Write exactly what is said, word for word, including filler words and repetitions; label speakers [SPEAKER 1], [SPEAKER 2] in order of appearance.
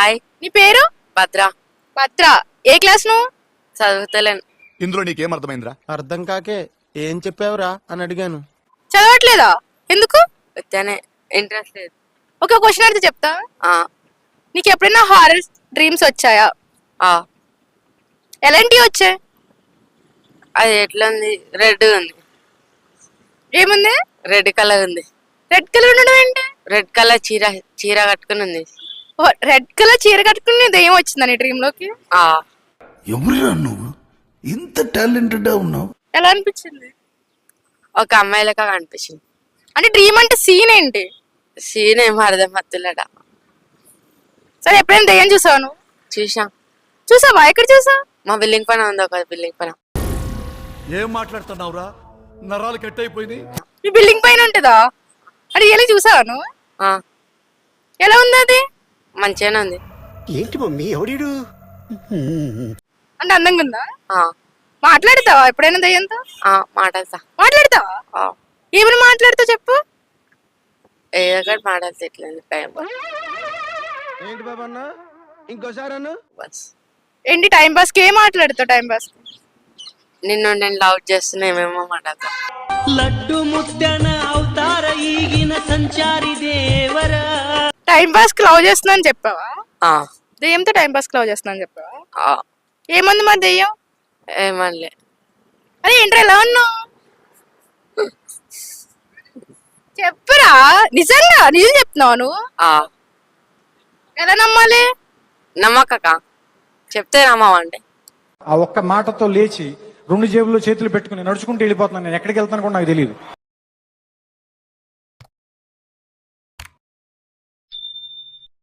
[SPEAKER 1] Hi,
[SPEAKER 2] నీ పేరు?
[SPEAKER 1] భద్ర.
[SPEAKER 2] భద్ర. ఏ class నువ్వు?
[SPEAKER 1] చదువుతలేను.
[SPEAKER 3] ఇందులో నీకేం అర్థమైందిరా?
[SPEAKER 4] అర్థం కాకే ఏం చెప్పావురా అని అడిగాను.
[SPEAKER 2] చదవట్లేదా? ఎందుకు?
[SPEAKER 1] వచ్చానే, ఇంట్రెస్ట్ లేదు.
[SPEAKER 2] ఒక క్వశ్చన్ అడిగితే చెప్తా.
[SPEAKER 1] ఆ,
[SPEAKER 2] నీకు ఎప్పుడైనా హారర్ డ్రీమ్స్ వచ్చాయా?
[SPEAKER 1] ఆ,
[SPEAKER 2] ఎలాంటివి వచ్చాయి?
[SPEAKER 1] అది ఎట్లా ఉంది? రెడ్ ఉంది.
[SPEAKER 2] ఏముంది?
[SPEAKER 1] రెడ్ కలర్ ఉంది.
[SPEAKER 2] రెడ్ కలర్ ఉండడం ఏంటి?
[SPEAKER 1] రెడ్ కలర్ చీర చీర కట్టుకుని ఉంది.
[SPEAKER 2] రెడ్ కలర్ చీర కట్టుకుని దెయ్యం వచ్చిందా నీ డ్రీమ్ లోకి?
[SPEAKER 1] ఆ,
[SPEAKER 5] ఎవరురా నువ్వు ఇంత టాలెంటెడ్ ఉన్నావు?
[SPEAKER 2] ఎలా అనిపించింది?
[SPEAKER 1] ఒక అమ్మాయి లెక్క కనిపించింది.
[SPEAKER 2] అంటే డ్రీమ్ అంటే సీన్ ఏంటి?
[SPEAKER 1] సీన్ ఏమో అర్థం మత్తులట.
[SPEAKER 2] సరే, ఎప్పుడైనా దెయ్యం చూసావు నువ్వు?
[SPEAKER 1] చూసాం.
[SPEAKER 2] చూసావా? ఎక్కడ చూసావు?
[SPEAKER 1] మా బిల్డింగ్ పైన ఉంది, ఒక బిల్డింగ్ పైన.
[SPEAKER 6] ఏం మాట్లాడుతున్నావురా? నరాలు కట్ అయిపోయింది.
[SPEAKER 2] మీ బిల్డింగ్ పైన ఉంటుందా? అది ఎలా చూసావా నువ్వు?
[SPEAKER 1] ఆ,
[SPEAKER 2] ఎలా ఉంది అది?
[SPEAKER 1] మంచిగానే ఉంది.
[SPEAKER 7] ఏంటి మమ్మీ ఎవడీడు?
[SPEAKER 2] అంటే అందంగా ఉందా?
[SPEAKER 1] ఆ,
[SPEAKER 2] మాట్లాడతావా ఎప్పుడైనా దయ్యంతో?
[SPEAKER 1] ఆ, మాట్లాడతా.
[SPEAKER 2] మాట్లాడతావా?
[SPEAKER 1] ఆ,
[SPEAKER 2] ఏమైనా మాట్లాడుతావు చెప్పు.
[SPEAKER 1] ఏదో ఒకటి మాట్లాడితే ఇట్లా టైం
[SPEAKER 4] ఏంటి బాబా అన్న ఇంకోసారి అన్న
[SPEAKER 1] బస్.
[SPEAKER 2] ఏంటి టైం పాస్ కి ఏం మాట్లాడుతావు? టైం పాస్
[SPEAKER 1] నిన్ను నేను లవ్ చేస్తున్నా, ఏమేమో మాట్లాడతా.
[SPEAKER 8] లడ్డు ముద్దన అవతార ఈగిన సంచారి దేవర.
[SPEAKER 2] టైం పాస్ కి లవ్ చేస్తున్నా అని చెప్పావా?
[SPEAKER 1] ఆ,
[SPEAKER 2] దెయ్యంతో టైం పాస్ కి లవ్ చేస్తున్నా అని చెప్పావా?
[SPEAKER 1] ఆ,
[SPEAKER 2] ఏముంది మరి దెయ్యం?
[SPEAKER 1] ఏమనలే.
[SPEAKER 2] అరే ఏంట్రా ఎలా ఉన్నావు? చెప్పురా, నిజంగా నిజం చెప్తున్నావు నువ్వు?
[SPEAKER 1] ఆ,
[SPEAKER 2] ఎలా నమ్మాలి?
[SPEAKER 1] నమ్మకక చెప్తే నమ్మవండి.
[SPEAKER 9] ఆ ఒక్క మాటతో లేచి రెండు జేబుల్లో చేతులు పెట్టుకుని నడుచుకుంటూ వెళ్ళిపోతున్నాను. నేను ఎక్కడికి వెళ్తాను కూడా నాకు తెలియదు.